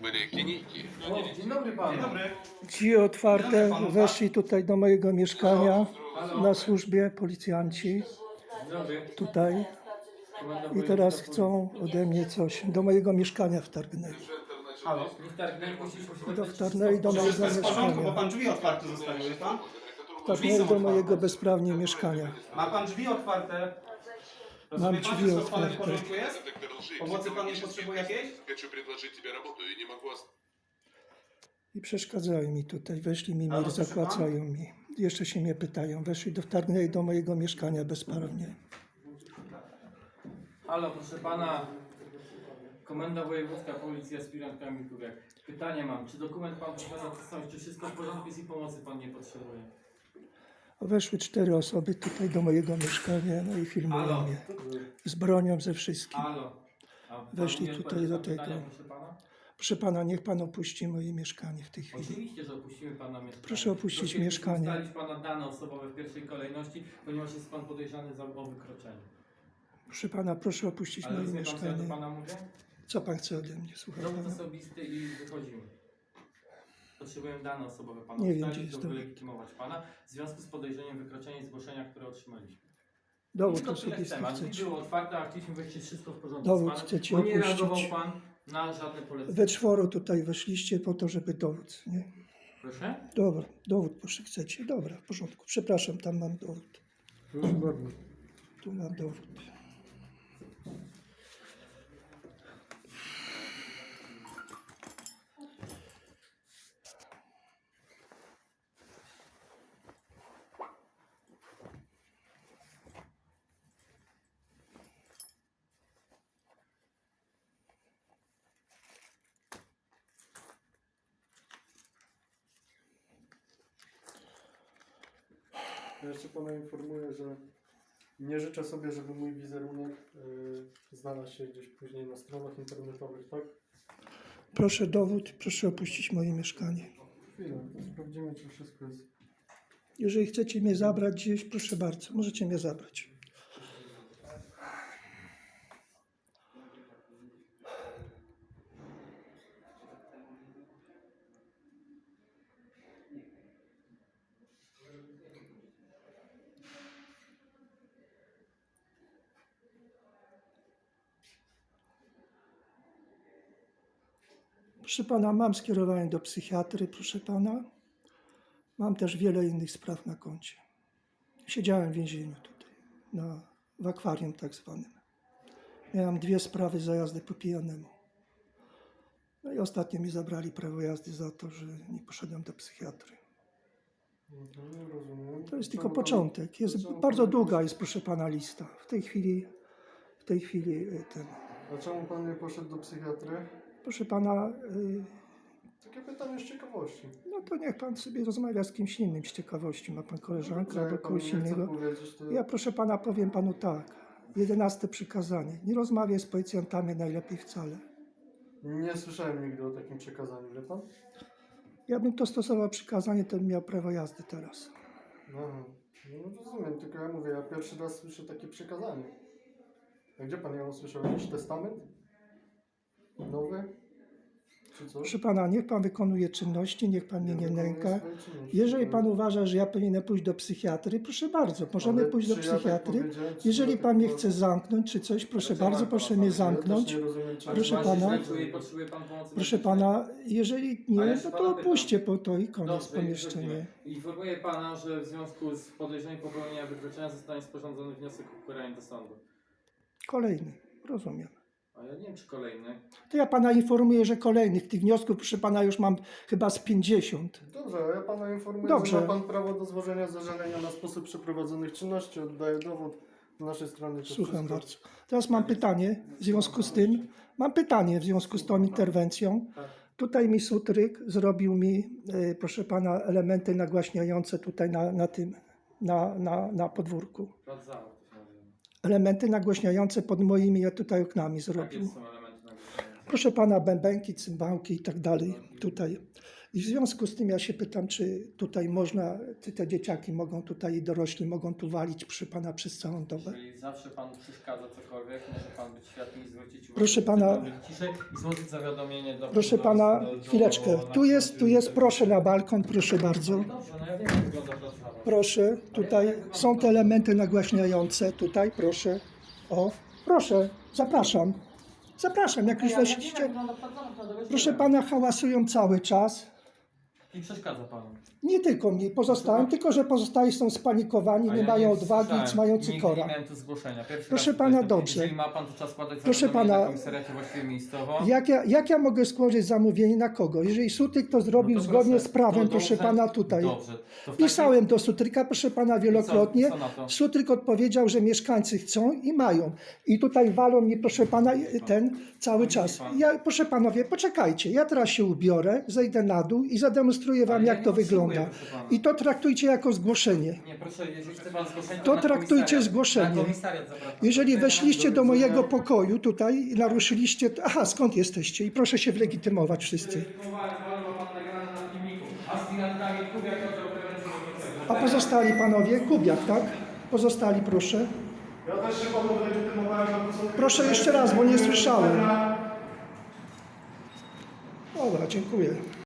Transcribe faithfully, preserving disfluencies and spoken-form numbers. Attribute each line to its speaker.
Speaker 1: смотря их линейки.
Speaker 2: O, dzień dobry panu.
Speaker 3: Dzień dobry.
Speaker 4: Drzwi otwarte, weszli tutaj do mojego mieszkania na służbie policjanci
Speaker 2: Dzień dobry.
Speaker 4: tutaj
Speaker 2: Komenda
Speaker 4: i
Speaker 2: wojewódzka
Speaker 4: teraz
Speaker 2: policji.
Speaker 4: chcą ode mnie coś. Do mojego mieszkania wtargnęli.
Speaker 2: Halo, niech targnęli, puściliśmy się
Speaker 4: Do wtargnęli do mojego
Speaker 3: Wszystko jest w porządku, bo
Speaker 4: mieszkania.
Speaker 3: pan drzwi otwarte zostawił, wie pan?
Speaker 4: Wtargnęli do mojego bezprawnie mieszkania.
Speaker 3: Ma pan drzwi otwarte? Rozumie
Speaker 4: Mam
Speaker 3: pan,
Speaker 4: drzwi
Speaker 3: wszystko z panem w
Speaker 4: otwarte.
Speaker 3: porządku jest?
Speaker 1: Доктор лжи,
Speaker 3: Pomocy pan nie
Speaker 1: психологический
Speaker 3: potrzebuje
Speaker 1: тест.
Speaker 3: jakiejś?
Speaker 1: Хочу предложить тебе работу и не могу ост-
Speaker 4: I przeszkadzają mi tutaj, weszli mi,
Speaker 3: Ale
Speaker 4: mir
Speaker 3: proszę
Speaker 4: zakłacają mi. Jeszcze się mnie pytają, weszli, do, wtargnęli do mojego mieszkania bezprawnie.
Speaker 2: Halo, proszę pana. Komenda wojewódzka policji, aspirant Kamil Kubiak. Pytanie mam, czy dokument pan posiada tożsamość, czy wszystko w porządku jest i pomocy pan nie potrzebuje?
Speaker 4: Weszły cztery osoby tutaj do mojego mieszkania, no i filmują
Speaker 2: Halo.
Speaker 4: mnie. Z bronią, ze wszystkim.
Speaker 2: Halo. A pan
Speaker 4: Weszli
Speaker 2: nie
Speaker 4: tutaj do
Speaker 2: odpowiedział na
Speaker 4: tego.
Speaker 2: pytania, proszę pana?
Speaker 4: Proszę pana, niech pan opuści moje mieszkanie w tej chwili.
Speaker 2: Oczywiście, że opuścimy pana mieszkanie.
Speaker 4: Proszę opuścić
Speaker 2: Prosimy
Speaker 4: mieszkanie.
Speaker 2: ustalić pana dane osobowe w pierwszej kolejności, ponieważ jest pan podejrzany za o wykroczenie.
Speaker 4: Proszę pana, proszę opuścić
Speaker 2: Ale
Speaker 4: moje
Speaker 2: rozumie pan, co ja do
Speaker 4: mieszkanie.
Speaker 2: pana mówię?
Speaker 4: Co pan chce ode mnie, słucham
Speaker 2: Dowód
Speaker 4: pana?
Speaker 2: osobisty i wychodzimy. Potrzebujemy dane osobowe pana
Speaker 4: Nie wiem,
Speaker 2: ustalić,
Speaker 4: gdzie jest
Speaker 2: do
Speaker 4: dowód.
Speaker 2: wylegitymować pana w związku z podejrzeniem wykroczenia i zgłoszenia, które otrzymaliśmy.
Speaker 4: Dowód
Speaker 2: Tylko tyle
Speaker 4: osobisty
Speaker 2: chcemy, a drzwi
Speaker 4: chcecie.
Speaker 2: były otwarte, a chcieliśmy wejść wszystko w porządku
Speaker 4: Dowód
Speaker 2: z panem,
Speaker 4: chcecie
Speaker 2: bo nie
Speaker 4: opuścić.
Speaker 2: reagował pan na żadne polecenie.
Speaker 4: We czworo tutaj weszliście po to, żeby dowód, nie?
Speaker 2: Proszę?
Speaker 4: Dobra, dowód proszę chcecie. Dobra, w porządku. Przepraszam, tam mam dowód.
Speaker 2: Proszę bardzo.
Speaker 4: Tu mam dowód.
Speaker 5: Ja jeszcze pana informuję, że nie życzę sobie, żeby mój wizerunek y, znalazł się gdzieś później na stronach internetowych, tak?
Speaker 4: Proszę dowód, proszę opuścić moje mieszkanie.
Speaker 5: Chwilę, to sprawdzimy, czy wszystko jest.
Speaker 4: Jeżeli chcecie mnie zabrać gdzieś, proszę bardzo, możecie mnie zabrać. Proszę pana, mam skierowanie do psychiatry, proszę pana. Mam też wiele innych spraw na koncie. Siedziałem w więzieniu tutaj, na, w akwarium tak zwanym. Miałem dwie sprawy za jazdę po pijanemu. No i ostatnio mi zabrali prawo jazdy za to, że nie poszedłem do psychiatry.
Speaker 5: Mhm, rozumiem.
Speaker 4: To jest tylko
Speaker 5: Czemu pan-
Speaker 4: początek. Jest
Speaker 5: czemu
Speaker 4: bardzo
Speaker 5: pan-
Speaker 4: długa jest, proszę pana, lista. W tej chwili, w tej chwili y, ten.
Speaker 5: A czemu pan nie poszedł do psychiatry?
Speaker 4: Proszę pana, y,
Speaker 5: Takie pytanie z ciekawości.
Speaker 4: no to niech pan sobie rozmawia z kimś innym z ciekawości. Ma pan koleżankę
Speaker 5: Jak
Speaker 4: albo
Speaker 5: pan
Speaker 4: kogoś
Speaker 5: nie chce
Speaker 4: innego.
Speaker 5: powiedzieć, to...
Speaker 4: Ja proszę pana powiem panu tak. Jedenaste przykazanie. Nie rozmawiaj z policjantami najlepiej wcale.
Speaker 5: Nie słyszałem nigdy o takim przekazaniu, wie pan?
Speaker 4: Ja bym to stosował przykazanie, to bym miał prawo jazdy teraz.
Speaker 5: Aha. No rozumiem, tylko ja mówię, ja pierwszy raz słyszę takie przekazanie. A gdzie pan ją usłyszał? Jakiś testament? Nowy? Czy co?
Speaker 4: Proszę pana, niech pan wykonuje czynności, niech pan mnie nie
Speaker 5: wykonuję
Speaker 4: nęka.
Speaker 5: swoje czynności,
Speaker 4: Jeżeli
Speaker 5: to-
Speaker 4: pan uważa, że ja powinienem pójść do psychiatry, proszę bardzo, możemy
Speaker 5: Ale
Speaker 4: pójść do
Speaker 5: czy ja tak
Speaker 4: psychiatry.
Speaker 5: powiedziałem, czy
Speaker 4: Jeżeli
Speaker 5: ja tak
Speaker 4: pan mnie
Speaker 5: powiedziałem?
Speaker 4: chce zamknąć czy coś, proszę
Speaker 2: Ale co
Speaker 4: bardzo,
Speaker 2: pan
Speaker 4: proszę
Speaker 2: pana
Speaker 4: mnie
Speaker 2: powiedział?
Speaker 5: Ja też
Speaker 4: zamknąć.
Speaker 5: nie rozumiem, czy-
Speaker 4: Proszę
Speaker 2: Ale pan się
Speaker 4: pana.
Speaker 2: źle czuje i potrzebuje pan pomocy
Speaker 4: Proszę
Speaker 2: medycznej.
Speaker 4: pana, jeżeli
Speaker 2: A ja
Speaker 4: nie,
Speaker 2: się
Speaker 4: no
Speaker 2: pana
Speaker 4: to
Speaker 2: pytam.
Speaker 4: opuśćcie po to i koniec
Speaker 2: Dobrze,
Speaker 4: pomieszczenie.
Speaker 2: rozumiem. Informuję pana, że w związku z podejrzeniem popełnienia wykroczenia zostanie sporządzony wniosek o ukaranie do sądu.
Speaker 4: Kolejny, rozumiem.
Speaker 2: A ja nie wiem, czy kolejny.
Speaker 4: To ja pana informuję, że kolejnych tych wniosków, proszę pana, już mam chyba z pięćdziesiąt.
Speaker 5: Dobrze, ja pana informuję,
Speaker 4: Dobrze.
Speaker 5: że ma pan prawo do złożenia zażalenia na sposób przeprowadzonych czynności. Oddaję dowód z naszej strony. to
Speaker 4: Słucham
Speaker 5: wszystko.
Speaker 4: bardzo. Teraz mam pytanie w związku z tym. Mam pytanie w związku z tą interwencją.
Speaker 2: Tak.
Speaker 4: Tutaj mi Sutryk zrobił mi, e, proszę pana, elementy nagłaśniające tutaj na, na tym, na, na, na podwórku.
Speaker 2: Plac zabaw to się nazywa.
Speaker 4: Elementy nagłaśniające pod moimi tutaj oknami
Speaker 2: Jakie
Speaker 4: zrobił.
Speaker 2: są elementy nagłośniające?
Speaker 4: proszę pana, bębenki, cymbałki i tak dalej tutaj. I w związku z tym ja się pytam, czy tutaj można, czy te dzieciaki mogą tutaj, i dorośli mogą tu walić przy pana przez całą dobę?
Speaker 2: Czyli zawsze pan przeszkadza cokolwiek, może pan być światły i zwrócić uwagę.
Speaker 4: Proszę pana-
Speaker 2: Ciszej i złożyć zawiadomienie do...
Speaker 4: Proszę
Speaker 2: do-
Speaker 4: pana,
Speaker 2: do- do-
Speaker 4: chwileczkę. Tu jest, tu jest, proszę na balkon, proszę bardzo.
Speaker 2: Dobrze, no ja wiem, jak wygląda praca.
Speaker 4: Proszę, tutaj są te elementy nagłaśniające, tutaj proszę. O, proszę, zapraszam. Zapraszam, jak już
Speaker 2: Ja- ja wiem,
Speaker 4: weszliście.
Speaker 2: jak wygląda praca, naprawdę, weź
Speaker 4: Proszę
Speaker 2: wiem.
Speaker 4: pana, hałasują cały czas.
Speaker 2: I przeszkadza panu.
Speaker 4: Nie tylko mi, pozostałym, tylko że pozostali są spanikowani,
Speaker 2: A
Speaker 4: nie
Speaker 2: ja
Speaker 4: mają
Speaker 2: nie
Speaker 4: odwagi,
Speaker 2: słyszałem.
Speaker 4: mają
Speaker 2: Nigdy
Speaker 4: cykora.
Speaker 2: nie miałem tu zgłoszenia. Pierwszy
Speaker 4: Proszę
Speaker 2: raz
Speaker 4: pana,
Speaker 2: tutaj to-
Speaker 4: dobrze.
Speaker 2: Jeżeli ma pan, to czas składać
Speaker 4: Proszę
Speaker 2: zawiadomienie
Speaker 4: pana-
Speaker 2: na komisariacie właściwie miejscowo.
Speaker 4: Jak ja, jak ja mogę składać zamówienie na kogo? Jeżeli Sutryk to zrobił
Speaker 2: No to
Speaker 4: zgodnie
Speaker 2: proszę,
Speaker 4: z prawem,
Speaker 2: to
Speaker 4: proszę
Speaker 2: dobrze,
Speaker 4: pana, tutaj.
Speaker 2: Dobrze. To w takim-
Speaker 4: Pisałem do Sutryka, proszę pana, wielokrotnie.
Speaker 2: I co- i co na to?
Speaker 4: Sutryk odpowiedział, że mieszkańcy chcą i mają. I tutaj walą mnie, proszę pana, ten cały
Speaker 2: Widzi
Speaker 4: czas.
Speaker 2: pan.
Speaker 4: Ja, proszę panowie, poczekajcie. Ja teraz się ubiorę, zejdę na dół i zademonstruję wam,
Speaker 2: Ale ja
Speaker 4: jak
Speaker 2: nie
Speaker 4: to
Speaker 2: potrzebuję,
Speaker 4: wygląda.
Speaker 2: proszę pana.
Speaker 4: I to traktujcie jako zgłoszenie.
Speaker 2: Nie, proszę, jeżeli chce pan zgłoszenie,
Speaker 4: To
Speaker 2: na
Speaker 4: traktujcie
Speaker 2: komisariat-
Speaker 4: zgłoszenie.
Speaker 2: Na komisariat zapraszam.
Speaker 4: Jeżeli weszliście do
Speaker 2: widzenia.
Speaker 4: mojego pokoju tutaj i naruszyliście... Aha, skąd jesteście? I proszę się wylegitymować wszyscy. A pozostali panowie? Kubiak, tak? Pozostali, proszę.
Speaker 5: Ja też się panu wylegitymowałem na to, co...
Speaker 4: Proszę jeszcze raz, bo nie słyszałem. Dobra, dziękuję.